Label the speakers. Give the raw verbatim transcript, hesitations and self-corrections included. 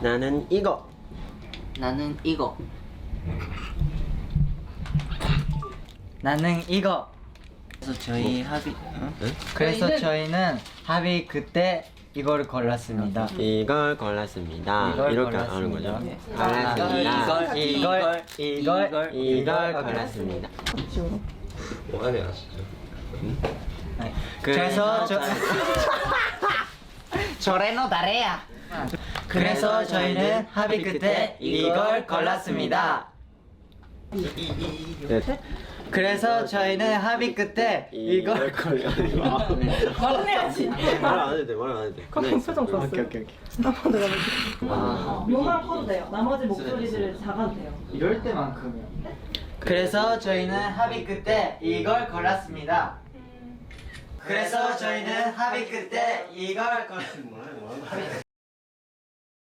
Speaker 1: 나는 이거.
Speaker 2: 나는 이거.
Speaker 3: 나는 이거.
Speaker 2: 그래서 저희 합의. 어?
Speaker 1: 응?
Speaker 3: 그래서
Speaker 4: 저희는-
Speaker 3: 저희는 합의 그때 이거를 골랐습니다.
Speaker 1: 이걸 골랐습니다.
Speaker 3: 이걸
Speaker 1: 이렇게
Speaker 3: 골랐습니다.
Speaker 1: 하는 거죠.
Speaker 3: 네.
Speaker 1: 골랐습니다.
Speaker 2: 이걸,
Speaker 3: 이걸 이걸
Speaker 1: 이걸 골랐습니다.
Speaker 5: 뭐하냐 진짜.
Speaker 3: 네. 그래서 저
Speaker 2: 저레노 다레야.
Speaker 3: 그래서 저희는 합의 끝에 이걸 골랐습니다.
Speaker 1: 네.
Speaker 3: 그래서 저희는 합의 끝에 이걸
Speaker 1: 골랐습니다.
Speaker 4: 말은 해야지.
Speaker 1: 말안 해도 돼. 말 안 해도 돼.
Speaker 4: 그럼 표정 좋았어요.
Speaker 3: 오케이 오케이 오케이.
Speaker 4: 나만 내가
Speaker 2: 아.
Speaker 4: 요만 커도 돼요. 나머지 목소리들을 작아도 돼요.
Speaker 3: 이럴 때만큼이요. 그래서 저희는 합의 끝에 이걸 골랐습니다. 그래서 저희는 합의 끝에 이걸 골랐습니다.